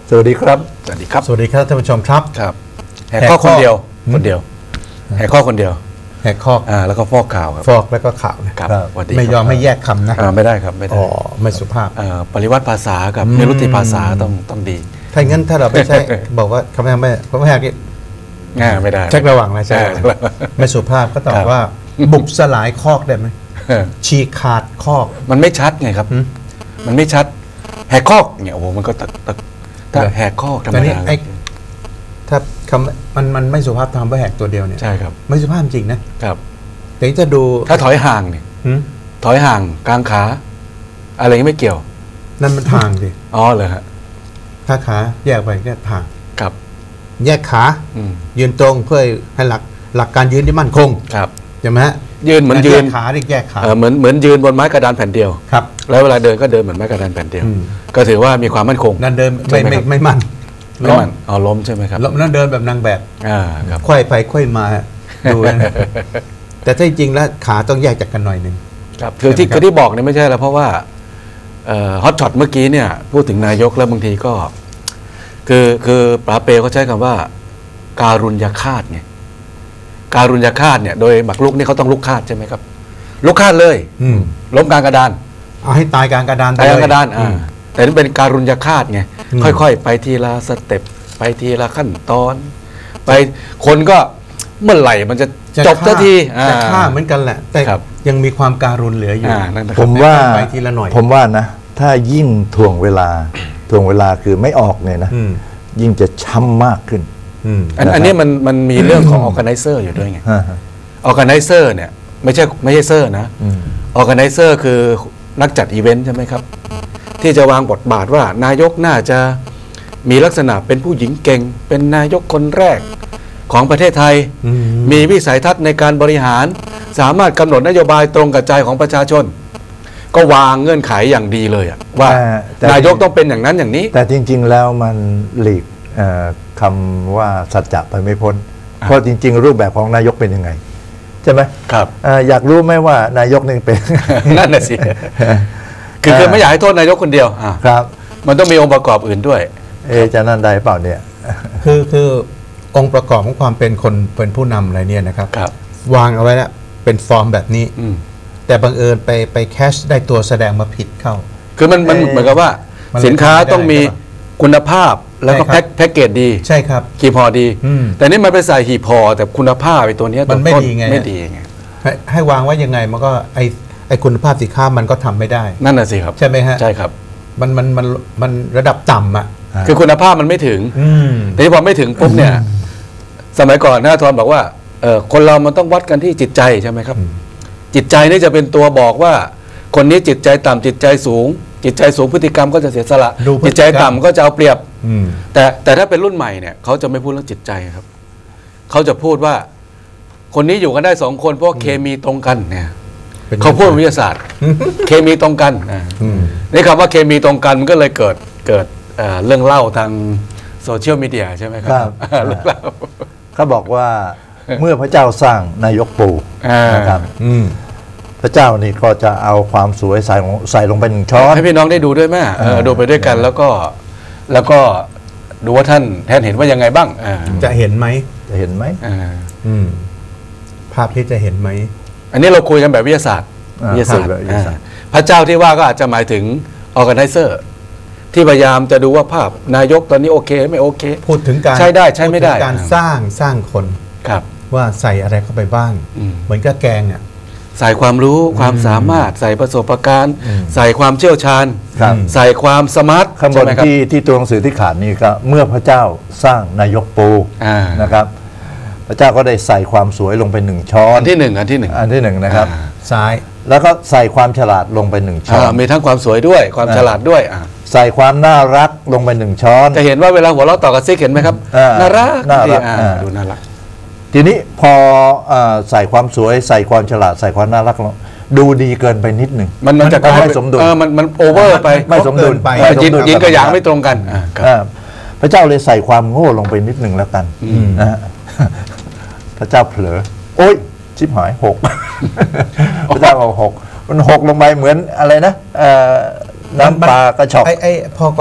สวัสดีครับสวัสดีครับสวัสดีครับท่านผู้ชมครับครับแหกข้อคนเดียวแหกข้อคนเดียวแหกข้อแล้วก็ฟอกข่าวครับฟอกแล้วก็ข่าวนะครับไม่ยอมไม่แยกคำนะไม่ได้ครับไม่ได้ไม่สุภาพปริวัติภาษากับนิรุตติภาษาต้องดีถ้างั้นถ้าเราไม่ใช่บอกว่าคำไม่แหกนี่ไม่ได้เช็คระหว่างนะใช่ไม่สุภาพก็ตอบว่าบุกสลายคอกได้ไหมฉีกขาดคอกมันไม่ชัดไงครับมันไม่ชัดแหกคอกเนี่ยโอ้โหมันก็ถ้าแหกคอกธรรมดาถ้าคำมันไม่สุภาพทำว่าแหกตัวเดียวเนี่ยใช่ครับไม่สุภาพจริงนะครับแต่จะดูถ้าถอยห่างเนี่ยถอยห่างกลางขาอะไรไม่เกี่ยวนั่นมันทางดิอ๋อเหรอฮะถ้าขาแยกไปก็ทางครับแยกขายืนตรงเพื่อให้หลักการยืนที่มั่นคงครับใช่ไหมฮะยืนเหมือนยืนขาที่แยกขาเหมือนยืนบนไม้กระดานแผ่นเดียวครับแล้วเวลาเดินก็เดินเหมือนไม้กระดานแผ่นเดียวก็ถือว่ามีความมั่นคงนั่นเดินไม่มั่นล้มใช่ไหมครับนั่นเดินแบบนางแบบครับค่อยไปค่อยมาดูแต่ถ้าจริงแล้วขาต้องแยกจากกันหน่อยหนึ่งครับคือที่บอกเนี่ยไม่ใช่แล้วเพราะว่าฮอตช็อตเมื่อกี้เนี่ยพูดถึงนายกแล้วบางทีก็คือปราเปเขาใช้คำว่าการุญยฆาตไงการุญยฆาตเนี่ยโดยหมักลุกนี่เขาต้องลุกฆาตใช่ไหมครับลุกฆาตเลยล้มกลางกระดานเอาให้ตายกลางกระดานตายกลางกระดานแต่นี่เป็นการุญยฆาตไงค่อยๆไปทีละสเต็ปไปทีละขั้นตอนไปคนก็เมื่อไหร่มันจะจบสักทีจะฆ่าเหมือนกันแหละแต่ยังมีความการุณเหลืออยู่ผมว่าไปทีละหน่อยผมว่านะถ้ายิ่งถ่วงเวลาคือไม่ออกเนี่ยนะยิ่งจะช้ำมากขึ้นอันนี้มันมีเรื่องของ organizer อยู่ด้วยไง organizer เนี่ยไม่ใช่เซอร์นะ organizer คือนักจัดอีเวนต์ใช่ไหมครับที่จะวางบทบาทว่านายกน่าจะมีลักษณะเป็นผู้หญิงเก่งเป็นนายกคนแรกของประเทศไทยมีวิสัยทัศน์ในการบริหารสามารถกำหนดนโยบายตรงกับใจของประชาชนก็วางเงื่อนไขอย่างดีเลยว่านายกต้องเป็นอย่างนั้นอย่างนี้แต่จริงๆแล้วมันหลีกคำว่าสัจจะไปไม่พ้นเพราะจริงๆรูปแบบของนายกเป็นยังไงใช่ไหมครับอยากรู้ไหมว่านายกนี่เป็นนั่นน่ะสิคือไม่อยากให้โทษนายกคนเดียวครับมันต้องมีองค์ประกอบอื่นด้วยจะนั่นได้เปล่าเนี่ยคือองค์ประกอบของความเป็นคนเป็นผู้นำอะไรเนี่ยนะครับวางเอาไว้แล้วเป็นฟอร์มแบบนี้แต่บังเอิญไปแคชได้ตัวแสดงมาผิดเข้าคือมันเหมือนกับว่าสินค้าต้องมีคุณภาพแล้วก็แพ็กเกจดีใช่ครับหีบห่อดีแต่นี่มันไปใส่หีบห่อแต่คุณภาพไอ้ตัวนี้มันไม่ดีไงให้วางไว้ยังไงมันก็ไอคุณภาพสินค้ามันก็ทำไม่ได้นั่นน่ะสิครับใช่ไหมฮะใช่ครับมันระดับต่ำอ่ะคือคุณภาพมันไม่ถึงแต่พอไม่ถึงปุ๊บเนี่ยสมัยก่อนนะทอนบอกว่าคนเรามันต้องวัดกันที่จิตใจใช่ไหมครับจิตใจนี่จะเป็นตัวบอกว่าคนนี้จิตใจต่ำจิตใจสูงพฤติกรรมก็จะเสียสละจิตใจต่ำก็จะเอาเปรียบแต่ถ้าเป็นรุ่นใหม่เนี่ยเขาจะไม่พูดเรื่องจิตใจครับเขาจะพูดว่าคนนี้อยู่กันได้2 คนเพราะเคมีตรงกันเนี่ยเขาพูดวิทยาศาสตร์เคมีตรงกันนี่คำว่าเคมีตรงกันมันก็เลยเกิดเรื่องเล่าทางโซเชียลมีเดียใช่ไหมครับเขาบอกว่าเมื่อพระเจ้าสร้างนายกปู่นะครับพระเจ้านี่ก็จะเอาความสวยใส่ลงไป1 ช้อนให้พี่น้องได้ดูด้วยแม่ดูไปด้วยกันแล้วก็ดูว่าท่านเห็นว่ายังไงบ้างจะเห็นไหมภาพที่จะเห็นไหมอันนี้เราคุยกันแบบวิทยาศาสตร์พระเจ้าที่ว่าก็อาจจะหมายถึง organizer ที่พยายามจะดูว่าภาพนายกตอนนี้โอเคไม่โอเคพูดถึงการใช้ได้ใช้ไม่ได้การสร้างคนว่าใส่อะไรเข้าไปบ้างเหมือนกับแกงอ่ะใส่ความรู้ความสามารถใส่ประสบการณ์ใส่ความเชี่ยวชาญใส่ความสมาร์ทข้างบนที่ตัวหนังสือที่ขาดนี่ก็เมื่อพระเจ้าสร้างนายกปูนะครับพระเจ้าก็ได้ใส่ความสวยลงไป1 ช้อนอันที่1 นะครับซ้ายแล้วก็ใส่ความฉลาดลงไป1 ช้อนมีทั้งความสวยด้วยความฉลาดด้วยใส่ความน่ารักลงไป1 ช้อนจะเห็นว่าเวลาหัวเราะต่อกับซิกเห็นไหมครับน่ารักดูน่ารักทีนี้พอใส่ความสวยใส่ความฉลาดใส่ความน่ารักดูดีเกินไปนิดหนึ่งมันจะไม่สมดุลมันโอเวอร์ไปไม่สมดุลไปยินกับอย่างไม่ตรงกันพระเจ้าเลยใส่ความโง่ลงไปนิดหนึ่งแล้วกันนะพระเจ้าเผลอโอ๊ยชิบหาย6พระเจ้าเอา6มัน6ลงไปเหมือนอะไรนะน้ำปลากระชอกพอก็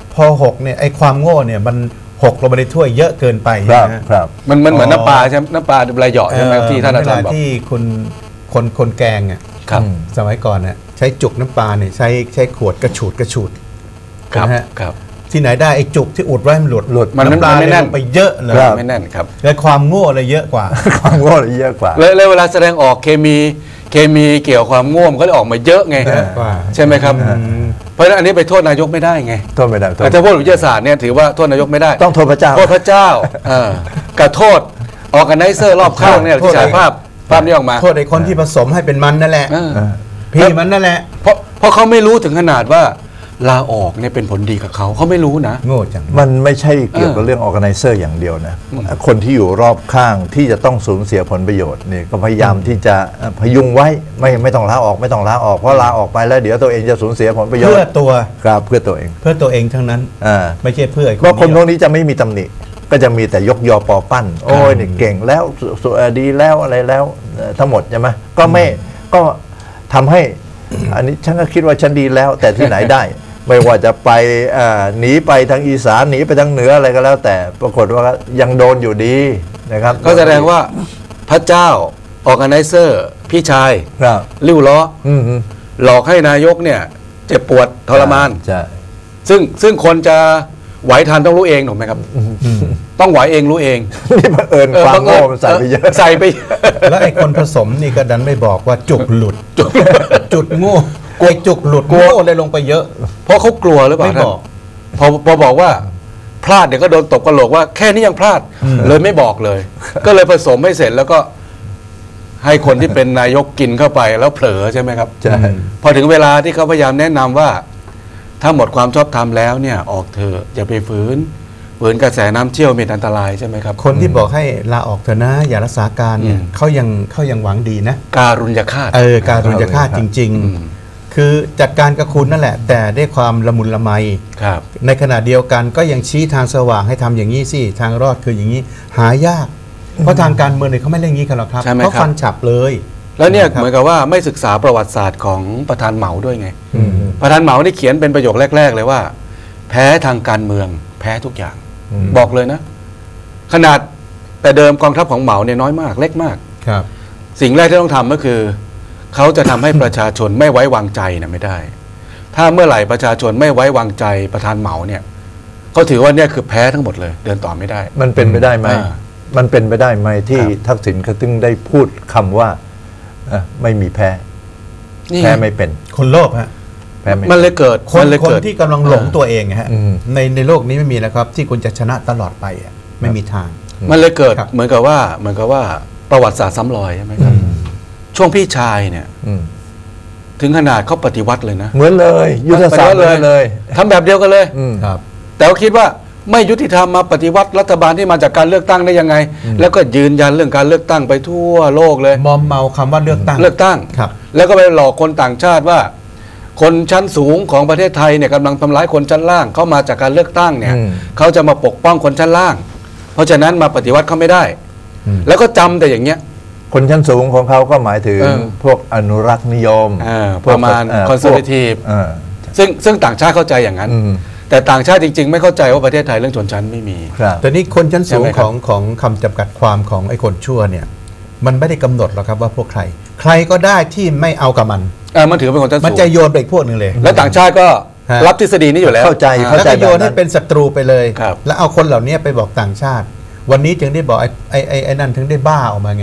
พอหกเนี่ยไอ้ความโง่เนี่ยมันหกลงไปในถ้วยเยอะเกินไปครับนะครับมันเหมือนน้ำปลาใช่ไหมน้ำปลาลายเหยาะใช่ไหมที่ท่านอาจารย์บอกที่คนแกงอ่ะครับสมัยก่อนน่ะใช้จุกน้ำปลาเนี่ยใช้ขวดกระฉูดครับนะฮะครับที่ไหนได้ไอ้จุกที่อุดไว้มันหลุดมันน้ำปลาไม่เลยแน่ลนงไปเยอะเลยครับไม่แน่นครับและความโง่เลยเยอะกว่าความโง่เยอะกว่าเลยเวลาแสดงออกเคมีเกี่ยวความง่วงก็เลยออกมาเยอะไงเยอะกว่าใช่ไหมครับ เพราะฉะนั้นอันนี้ไปโทษนายกไม่ได้ไงโทษไม่ได้โทษแต่ถ้าพูดวิทยาศาสตร์เนี่ยถือว่าโทษนายกไม่ได้ต้องโทษพระเจ้าโทษพระเจ้ากับโทษออกกันไนเซอร์รอบข้างเนี่ยที่ฉายภาพนี้ออกมาโทษไอ้คนที่ผสมให้เป็นมันนั่นแหละเออพี่มันนั่นแหละเพราะเขาไม่รู้ถึงขนาดว่าลาออกเนี่ยเป็นผลดีกับเขาไม่รู้นะโง่จังมันไม่ใช่เกี่ยวกับเรื่อง organizer อย่างเดียวนะ คนที่อยู่รอบข้างที่จะต้องสูญเสียผลประโยชน์นี่ก็พยายามที่จะพยุงไว้ไม่ต้องลาออกไม่ต้องลาออกเพราะลาออกไปแล้วเดี๋ยวตัวเองจะสูญเสียผลประโยชน์เพื่อตัวครับเพื่อตัวเองทั้งนั้นอ่าไม่ใช่เพื่อไอ้เพราะคนพเดีวยวกนี้จะไม่มีตำหนิก็จะมีแต่ยกยอปอปั้น โอ้ยนี่เก่งแล้วดีแล้วอะไรแล้วทั้งหมดใช่ไหมก็ทำให้อันนี้ฉันก็คิดว่าฉันดีแล้ว แต่ที่ไหนได้ ไม่ว่าจะไปหนีไปทางอีสานหนีไปทางเหนืออะไรก็แล้ว แต่ปรากฏว่ายังโดนอยู่ดีนะครับก็แสดงว่าพระเจ้าออร์แกไนเซอร์พี่ชายครับริ้วล้ออืมหลอกให้นายกเนี่ยเจ็บปวดทรมานใช่ซึ่งคนจะไหวทันต้องรู้เองถูกไหมครับ ต้องไหวเองรู้เองนี่บังเอิญความโง่มันใส่ไปเยอะใส่ไปแล้วไอ้คนผสมนี่ก็ดันไม่บอกว่าจุกหลุด จุดโง่ไอ้จุกหลุดโง่เลยลงไปเยอะเพราะเขากลัวหรือเปล่าไม่บอกท่านพอบอกว่าพลาดเดี๋ยวก็โดนตบกระโหลกว่าแค่นี้ยังพลาดเลยไม่บอกเลย ก็เลยผสมให้เสร็จแล้วก็ให้คนที่เป็นนายกกินเข้าไปแล้วเผลอใช่ไหมครับใช่พอถึงเวลาที่เขาพยายามแนะนำว่า ถ้าหมดความชอบธรรมแล้วเนี่ยออกเถอะอย่าไปฝืนกระแสน้ำเชี่ยวมีอันตรายใช่ไหมครับคนที่บอกให้ลาออกเถอะนะ อย่ารักษาการเนี่ยอืมเขายังหวังดีนะการุญยฆาตการุญยฆาตจริงอืมๆ คือจัดการกับคุณนั่นแหละ แต่ด้วยความละมุนละไมครับในขณะเดียวกันก็ยังชี้ทางสว่างให้ทำอย่างนี้สิทางรอดคืออย่างนี้หายาก เพราะทางการเมืองเนี่ยเขาไม่เล่นงี้กันหรอกครับใช่ไหมเขาครับฟันฉับเลยแล้วเนี่ยครับเหมือนกับว่าไม่ศึกษาประวัติศาสตร์ของประธานเหมาด้วยไงอืมประธานเหมานี่เขียนเป็นประโยคแรก ๆ เลยว่า แพ้ทางการเมือง แพ้ทุกอย่าง บอกเลยนะ ขนาดแต่เดิมกองทัพของเหมาเนี่ยน้อยมากเล็กมากครับสิ่งแรกที่ต้องทำก็คือ เขาจะทำให้ประชาชนไม่ไว้วางใจนะไม่ได้ ถ้าเมื่อไหร่ประชาชนไม่ไว้วางใจประธานเหมาเนี่ยเขาถือว่าเนี่ยคือแพ้ทั้งหมดเลย เดินต่อไม่ได้มันเป็นไปได้ไหมอ่ามันเป็นไปได้ไหมที่ครับทักษิณเขาถึงได้พูดคำว่าไม่มีแพ้นี่แพ้ไม่เป็นคนโลภฮะแพ้ไม่มันเลยเกิดคนเลยคนเกิดที่กำลังหลงตัวเองฮะอืมในโลกนี้ไม่มีนะครับ ที่คุณจะชนะตลอดไปอะไม่มีทางมันเลยเกิดครับเหมือนกับว่าประวัติศาสตร์ซ้ำรอยใช่ไหมครับ ช่วงพี่ชายเนี่ยอืมถึงขนาดเขาปฏิวัติเลยนะเหมือนเลย ยุทธศาสตร์เหมือนเลยทำแบบเดียวกันเลยอืมครับแต่เขาคิดว่าไม่ยุติธรรมมาปฏิวัติรัฐบาลที่มาจากการเลือกตั้งได้ยังไง แล้วก็ยืนยันเรื่องการเลือกตั้งไปทั่วโลกเลยมอมเมาคำว่าเลือกตั้งเลือกตั้งครับแล้วก็ไปหลอกคนต่างชาติว่า คนชั้นสูงของประเทศไทยเนี่ยกำลังทำร้ายคนชั้นล่างเข้ามาจากการเลือกตั้งเนี่ยอืมเขาจะมาปกป้องคนชั้นล่าง เพราะฉะนั้นมาปฏิวัติเขาไม่ได้ แล้วก็จำแต่อย่างเงี้ยคนชั้นสูงของเขาก็หมายถึงเออพวกอนุรักษ์นิยมพวกประมาณ conservative ซึ่งต่างชาติเข้าใจอย่างนั้นอืมแต่ต่างชาติจริง ๆ ไม่เข้าใจว่าประเทศไทยเรื่องชนชั้นไม่มีครับแต่นี่คนชั้นสูงใช่ไหมคขรับองคำจำกัดความของไอ้คนชั่วเนี่ย มันไม่ได้กำหนดหรอกครับว่าพวกใคร ใครก็ได้ที่ไม่เอากับมันมันถือเป็นคนชั้นมันสูงจะโยนไปอีกพวกหนึ่งเลยแล้วต่างชาติก็ฮะรับทฤษฎีนี้อยู่แล้วเข้าใจอ่เข้าแล้วใจก็โยนให้เป็นศัตรูไปเลยครับแล้วเอาคนเหล่านี้ไปบอกต่างชาติ วันนี้จึงได้บอกไอ้นั่นถึงได้บ้าออกมาไง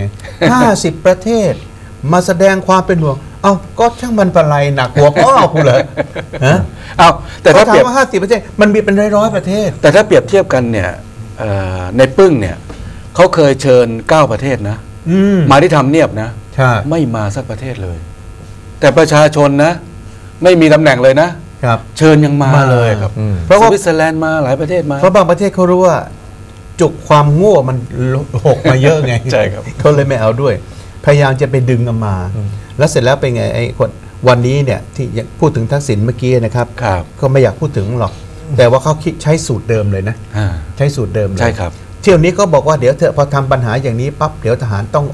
50 ประเทศ มาแสดงความเป็นห่วง เอ้าก็ช่างมันปะไรหนักหัวพ่อกูเหรอฮะเอาแต่ถ้าเขาเปรียบถามว่า50 ประเทศ มันมีเป็นร้อยๆประเทศแต่ถ้าเปรียบเทียบกันเนี่ยในปึ้งเนี่ยเขาเคยเชิญ9ประเทศนะอืมมาที่ทำเนียบนะใช่ไม่มาสักประเทศเลย แต่ประชาชนนะ ไม่มีตำแหน่งเลยนะครับเชิญยังมาเลยครับอืมเพราะสว่าวิตเซอร์แลนด์มาหลายประเทศมาเพราะบางประเทศเขารู้ว่า จุกความโง่มันหกมาเยอะไงใช่ครับเขาเลยไม่เอาด้วย พยายามจะไปดึงเอามา แล้วเสร็จแล้วเป็นไงไอ้คนวันนี้เนี่ยที่พูดถึงทักษิณเมื่อกี้นะครับครับก็ไม่อยากพูดถึงหรอก แต่ว่าเขาคิดใช้สูตรเดิมเลยนะ ใช้สูตรเดิมเลยใช่ครับเที่ยวนี้ก็บอกว่าเดี๋ยวเถอะพอทำปัญหาอย่างนี้ปั๊บเดี๋ยวทหารต้องออก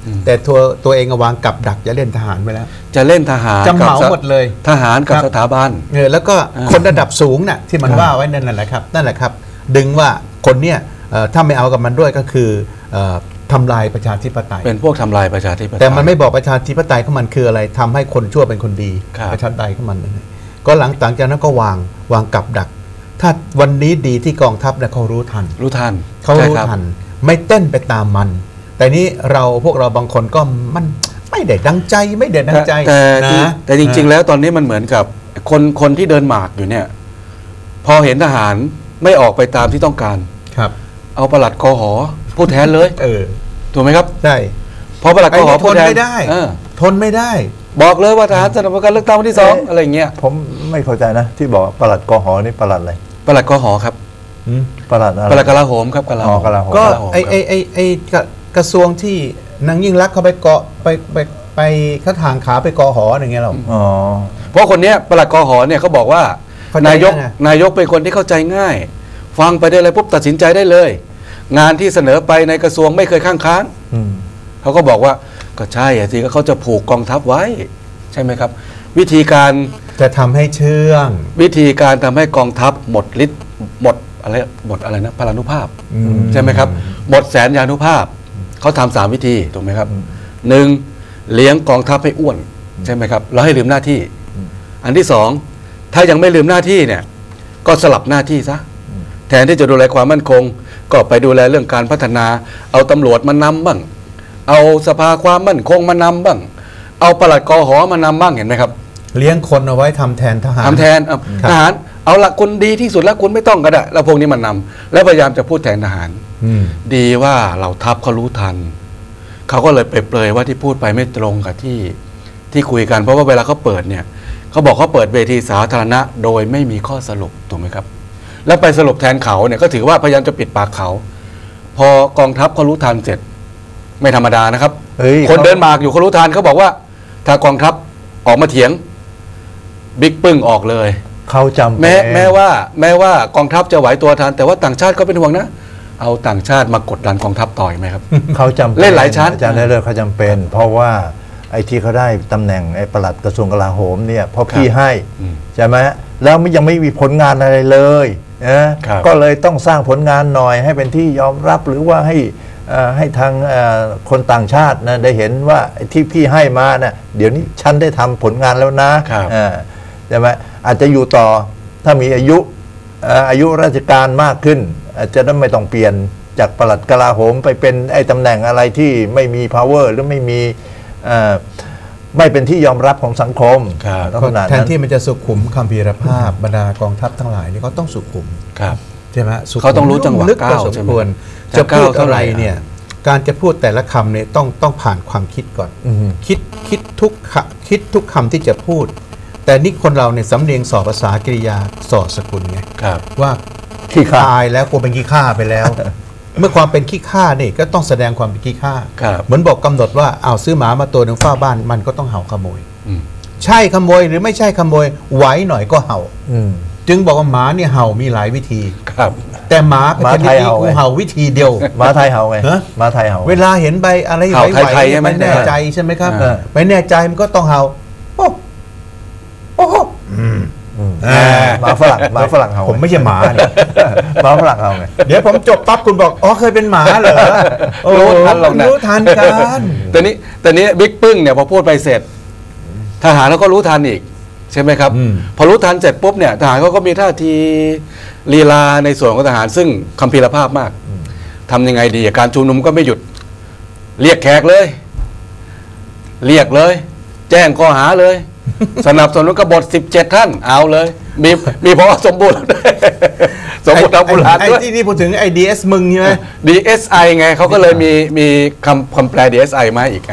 แต่ตัวเองวางกับดักจะเล่นทหารไปแล้วจะเล่นทหารจะเหมาหมดเลยทหารกับสถาบันแล้วก็คนระดับสูงน่ะที่มันว่าไว้นั่นแหละครับนั่นแหละครับดึงว่าคนเนี่ยถ้าไม่เอากับมันด้วยก็คือทำลายประชาธิปไตยเป็นพวกทำลายประชาธิปไตยแต่มันไม่บอกประชาธิปไตยของมันคืออะไรทำให้คนชั่วเป็นคนดีครับประชาธิปไตยของมันนั่นเองก็หลังจากนั้นก็วางกับดัก ถ้าวันนี้ดีที่กองทัพเนี่ยเขารู้ทันรู้ทันเขารู้ทันไม่เต้นไปตามมัน แต่นี้พวกเราบางคนก็มันไม่ได้ดังใจไม่ได้ดังใจแต่จริงๆแล้วตอนนี้มันเหมือนกับคนที่เดินหมากอยู่เนี่ยพอเห็นทหารไม่ออกไปตามที่ต้องการครับเอาปลัดกหผู้แทนเลยถูกไหมครับใช่พอปลัดกหผู้แทนไม่ได้ทนไม่ได้บอกเลยว่าทหารสนับสนุนการเลือกตั้งวันที่2อะไรอย่างเงี้ยผมไม่เข้าใจนะที่บอกปลัดกหนี่ปลัดอะไรปลัดกหครับปลัดอะไรปลัดกลาโหมครับกลาโหมก็ไอกระทรวงที่นางยิ่งรักเขาไปเกาะไปเขาทางขาไปกหอย่างเงี้ยหรอเพราะคนเนี้ยปลัดกหเนี่ยเขาบอกว่านายกเป็นคนที่เข้าใจง่ายฟังไปได้เลยปุ๊บตัดสินใจได้เลยงานที่เสนอไปในกระทรวงไม่เคยข้างค้านเขาก็บอกว่าก็ใช่สิก็เขาจะผูกกองทัพไว้ใช่ไหมครับวิธีการจะทำให้เชื่องวิธีการทำให้กองทัพหมดฤทธิ์หมดอะไรนะพลานุภาพใช่ไหมครับหมดแสนยานุภาพเขาทำ3 วิธีถูกไหมครับ1เลี้ยงกองทัพให้อ้วนใช่ไหมครับแล้วให้ลืมหน้าที่อันที่2ถ้ายังไม่ลืมหน้าที่เนี่ยก็สลับหน้าที่ซะแทนที่จะดูแลความมั่นคงก็ไปดูแลเรื่องการพัฒนาเอาตำรวจมานำบ้างเอาสภาความมั่นคงมานำบ้างเอาปลัดกหมานำบ้างเห็นไหมครับเลี้ยงคนเอาไว้ทำแทนทหารทำแทนทหารเอาละคุณดีที่สุดแล้วคุณไม่ต้องก็ได้แล้วพวกนี้มันนำแล้วพยายามจะพูดแทนทหารดีว่าเหล่าทัพเขารู้ทันเขาก็เลยไปเปรยว่าที่พูดไปไม่ตรงกับที่คุยกันเพราะว่าเวลาเขาเปิดเนี่ยเขาบอกเขาเปิดเวทีสาธารณะโดยไม่มีข้อสรุปถูกไหมครับแล้วไปสรุปแทนเขาเนี่ยก็ถือว่าพยายามจะปิดปากเขาพอกองทัพเขารู้ทันเสร็จไม่ธรรมดานะครับคนเดินหมากอยู่เขารู้ทันเขาบอกว่าถ้ากองทัพออกมาเถียงบิ๊กปึ้งออกเลยเขาจำแม้ว่ากองทัพจะไหวตัวทันแต่ว่าต่างชาติก็เป็นห่วงนะเอาต่างชาติมากดดันกองทัพต่อยไหมครับเขาจำเล่นหลายชั้นอาจารย์ได้เลยเขาจำเป็นเพราะว่าไอ้ที่เขาได้ตำแหน่งไอ้ปลัดกระทรวงกลาโหมเนี่ยเพราะพี่ให้ใช่ไหมแล้วยังไม่มีผลงานอะไรเลยก็เลยต้องสร้างผลงานหน่อยให้เป็นที่ยอมรับหรือว่าให้ทางคนต่างชาตินะได้เห็นว่าที่พี่ให้มานะเดี๋ยวนี้ฉันได้ทำผลงานแล้วนะใช่ไหมอาจจะอยู่ต่อถ้ามีอายุราชการมากขึ้นอาจจะไม่ต้องเปลี่ยนจากปลัดกลาโหมไปเป็นไอ้ตำแหน่งอะไรที่ไม่มี power หรือไม่มีไม่เป็นที่ยอมรับของสังคมแทนที่มันจะสุขุมคัมภีรภาพบรรดากองทัพทั้งหลายนี่เขาต้องสุขุมใช่ไหมเขาต้องรู้จังหวะก้าวใช่ไหมจะพูดอะไรเนี่ยการจะพูดแต่ละคำเนี่ยต้องผ่านความคิดก่อนคิดทุกคำที่จะพูดแต่นี่คนเราเนี่ยสำเนียงสอบภาษากริยาสอดสกุลไงว่าขี้ข้าตายแล้วกลัวเป็นขี้ข้าไปแล้ว เมื่อความเป็นขี้ข้านี่ก็ต้องแสดงความเป็นขี้ข้าเหมือนบอกกำหนดว่าเอาซื้อหมามาตัวหนึ่งเฝ้าบ้านมันก็ต้องเห่าขโมยใช่ขโมยหรือไม่ใช่ขโมยไหวหน่อยก็เห่าจึงบอกว่าหมาเนี่ยเห่ามีหลายวิธีแต่หมาเป็นชนิดนี้กูเห่าวิธีเดียวหมาไทยเห่าไงหมาไทยเห่าเวลาเห็นใบอะไรไหวๆไม่แน่ใจใช่ไหมครับไม่แน่ใจมันก็ต้องเห่าโอ้หมาฝรั่งเห่าผมไม่ใช่หมาหมาฝรั่งเห่าไงเดี๋ยวผมจบปั๊บคุณบอกอ๋อเคยเป็นหมาเหรอรู้ทันหรอกนะรู้ทันกันแต่นี้บิ๊กปึ้งเนี่ยพอพูดไปเสร็จทหารแล้วก็รู้ทันอีกใช่ไหมครับพอรู้ทันเสร็จปุ๊บเนี่ยทหารเขาก็มีท่าทีลีลาในส่วนของทหารซึ่งคัมภีรภาพมากทำยังไงดีการชุมนุมก็ไม่หยุดเรียกแขกเลยเรียกเลยแจ้งข้อหาเลยสนับสนุนกบฏ17 ท่านเอาเลยมีพอสมบูรณ์สมบูรณ์ทางโบราณด้วยที่พูดถึงไอ้ DS มึงใช่ไหม DSI ไงเขาก็เลยมีคำแปล DSI มาอีก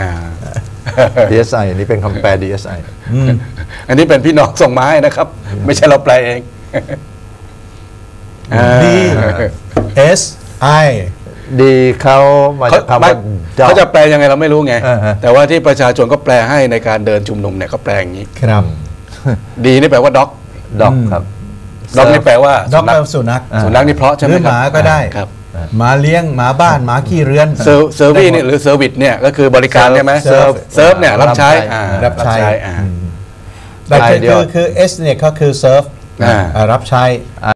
DSI นี่เป็นคำแปล DSI อันนี้เป็นพี่น้องส่งมาให้นะครับไม่ใช่เราแปลเอง DSI ดีเขามาจากคำว่าเขาจะแปลยังไงเราไม่รู้ไงแต่ว่าที่ประชาชนก็แปลให้ในการเดินชุมนุมเนี่ยเขาแปลอย่างนี้ครับดีนี่แปลว่าด็อกครับด็อกนี่แปลว่าด็อกแปลว่าสุนัขนี่เพราะใช่ไหมครับหมาก็ได้ครับหมาเลี้ยงหมาบ้านหมาขี้เรือนเซอร์วิสเนี่ยหรือเซอร์วิสเนี่ยก็คือบริการใช่ไหมเซิร์ฟเซิร์ฟเนี่ยรับใช้รับใช้อ่าแต่ใช่เดี๋ยวคือ S เนี่ยก็คือ serve อ่ารับใช้